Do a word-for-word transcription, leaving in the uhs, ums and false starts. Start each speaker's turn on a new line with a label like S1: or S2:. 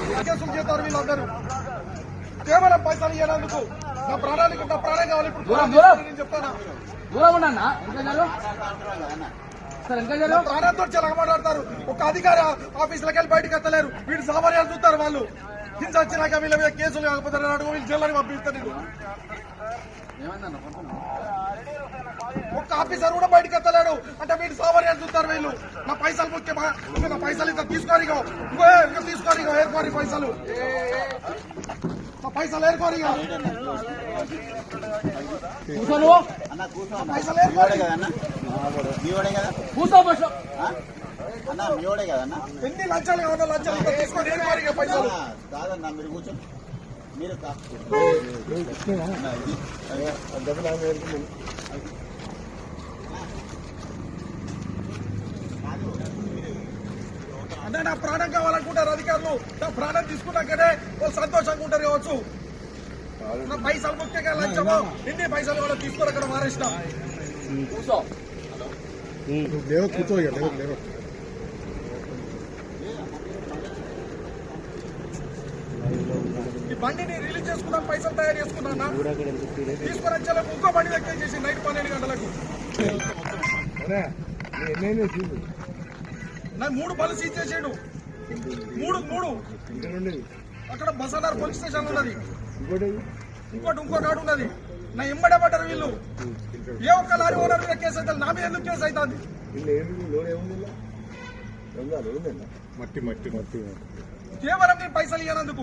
S1: కేసులు చేస్తారు వీళ్ళందరూ కేవలం పైసలు ఇవ్వడానికి. నా ప్రాణానికి నా ప్రాణం కావాలి. ఇప్పుడు నేను చెప్తానా ప్రాణంతో చాలా మాట్లాడతారు. ఒక అధికారి ఆఫీసులకు వెళ్ళి బయటకు ఎత్తలేరు. వీళ్ళు సామాన్యాలు చూస్తారు. వాళ్ళు హింస వచ్చినాక వీళ్ళ మీద కేసులు కాకపోతే అడుగు వీళ్ళు జైల్లోకి పంపిస్తారు. నేను ఒక్క ఆఫీసర్ కూడా బయటకు ఎత్తలేడు అంటే వీళ్ళు సామాన్యాలు చూస్తారు. వీళ్ళు నా పైసలు ముఖ్యమా? నా పైసలు ఇంత తీసుకోని ఇంకో తీసుకోని ఏర్కోరి పైసలు నా పైసలు ఏర్కోరి పైసలు ఏర్కోరి ఎన్ని లంచాలు కావాలా? లంచాలు తీసుకొని ఏర్కోరి పైసలు
S2: కాదన్నా మీరు కూర్చో. మీరు
S1: అంటే నా ప్రాణం కావాలనుకుంటారు అధికారులు. నా ప్రాణం తీసుకున్నాకనే వాళ్ళు సంతోషంగా ఉంటారు కావచ్చు. నా పైసలు ముఖ్యంగా లంచము ఎన్ని పైసలు కూడా తీసుకొని అక్కడ మారేసిన కూర్చో కూర్చో ఈ బండిని రిలీజ్ చేసుకున్నాను. పైసలు తయారు చేసుకున్నా తీసుకొని వచ్చేలకు ఇంకో బండి వ్యక్తం చేసి నైట్ పన్నెండు గంటలకు నాకు మూడు బలు సీజ్ చేసాడు. మూడు మూడు అక్కడ బసానార్ పోలీస్ స్టేషన్ ఉన్నది. ఇంకోటి ఇంకో కాడు ఉన్నది. నా ఎంబడే పడ్డారు వీళ్ళు. ఏ ఒక్క లారీ ఓనర్ మీద కేసు అవుతుంది. నా మీద ఎందుకు కేసు అవుతుంది?
S3: మట్టి మట్టి మట్టి
S1: కేవలం నేను పైసలు ఇవ్వనందుకు.